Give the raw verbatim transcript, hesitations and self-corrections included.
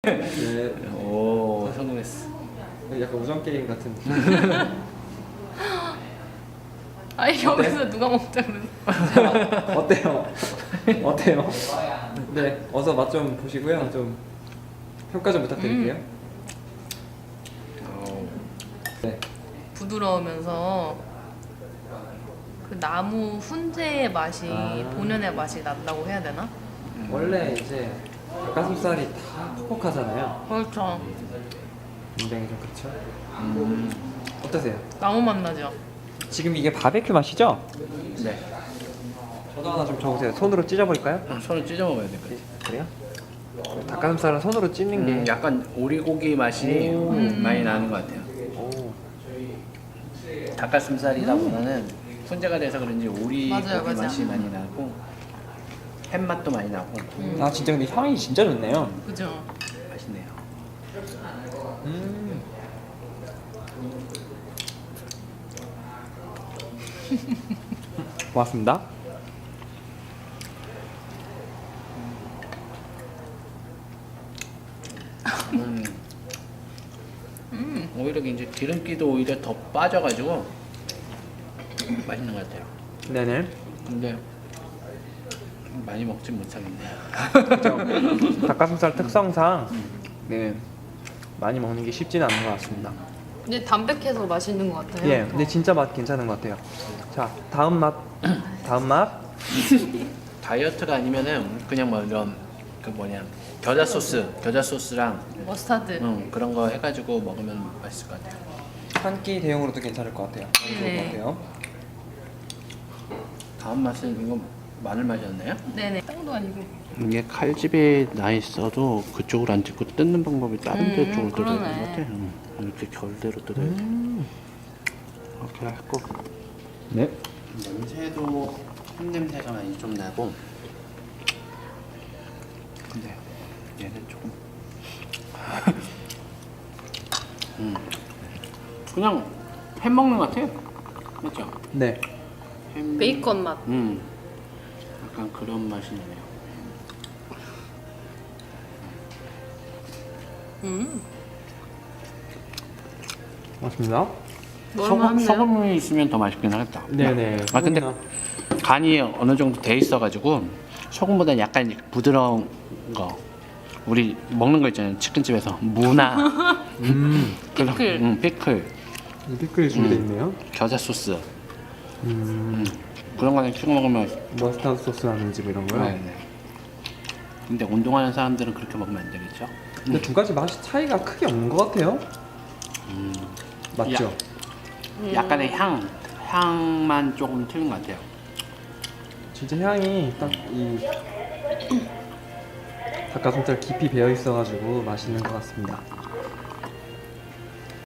네. 오, 성공했어. 약간 우정 게임 같은. 아니 여기서 누가 먹자 그러지? 어때요? 어때요? 네, 어서 맛 좀 보시고요. 좀 평가 좀 부탁드릴게요. 어, 네. 부드러우면서 그 나무 훈제의 맛이 아. 본연의 맛이 난다고 해야 되나? 원래 이제 닭가슴살이 다 퍽퍽하잖아요. 그렇죠. 굉장히 좀 그렇죠. 음, 어떠세요? 나무 맛 나죠? 지금 이게 바베큐 맛이죠? 네. 저도 하나 좀 적으세요. 손으로 찢어버릴까요? 아, 손을 찢어 먹어야 돼. 그래. 그래요? 닭가슴살은 손으로 찢는 게 음, 약간 오리고기 맛이 음. 많이 나는 것 같아요. 오. 닭가슴살이다 보면은 훈제가 돼서 그런지 오리고기 맞아요, 맞아요. 맛이 많이 나고 햄 맛도 많이 나고 음. 아 진짜 근데 향이 진짜 좋네요. 그죠? 맛있네요. 음. 고맙습니다. 음, 음. 오히려 이제 기름기도 오히려 더 빠져가지고 맛있는 것 같아요. 네네. 근데 많이 먹진 못하겠네요. 그렇죠. 닭가슴살 특성상 네 많이 먹는 게 쉽지는 않은 것 같습니다. 근데 담백해서 맛있는 것 같아요. 예, 근데 진짜 맛 괜찮은 것 같아요. 자, 다음 맛, 다음 맛. 다이어트가 아니면은 그냥 뭐 이런 그 뭐냐 겨자 소스, 겨자 소스랑 머스타드. 음, 그런 거 해가지고 먹으면 맛있을 것 같아요. 한 끼 대용으로도 괜찮을 것 같아요. 너무 좋을 네. 것 같아요. 다음 맛은 이거 마늘 맛이었나요? 네네. 땅도 아니고. 이게 칼집에 나 있어도 그쪽으로 안 찍고 뜯는 방법이 다른 데 음, 쪽으로 뜯어야 되는 그러네. 것 같아. 음, 이렇게 결대로 뜯어야 돼. 음. 이렇게 했고 네. 냄새도 흰 냄새가 많이 좀 나고. 근데 얘는 조금 음, 그냥 햄 먹는 것 같아요. 맞죠? 네. 햄... 베이컨 맛. 음, 약간 그런 맛이 나네요. 음. 맞습니다. 소금, 먹을만한데요? 소금이 있으면 더 맛있긴 하겠다. 네네. 아 근데 소금이나- 간이 어느 정도 돼 있어가지고 소금보다 약간 부드러운 거 우리 먹는 거 있잖아요. 치킨집에서 무나 음. 그런- 피클. 음, 피클, 이 피클이 준비되어 음. 있네요. 겨자 소스 음. 그런 거는 찍어 먹으면 머스타드 소스 하는 집 이런 거요. 네, 네. 근데 운동하는 사람들은 그렇게 먹으면 안 되겠죠? 근데 두 가지 맛이 차이가 크게 없는 것 같아요. 음, 맞죠? 음. 약간의 향 향만 조금 틀린 것 같아요. 진짜 향이 딱 이 닭가슴살 깊이 배어 있어가지고 맛있는 것 같습니다.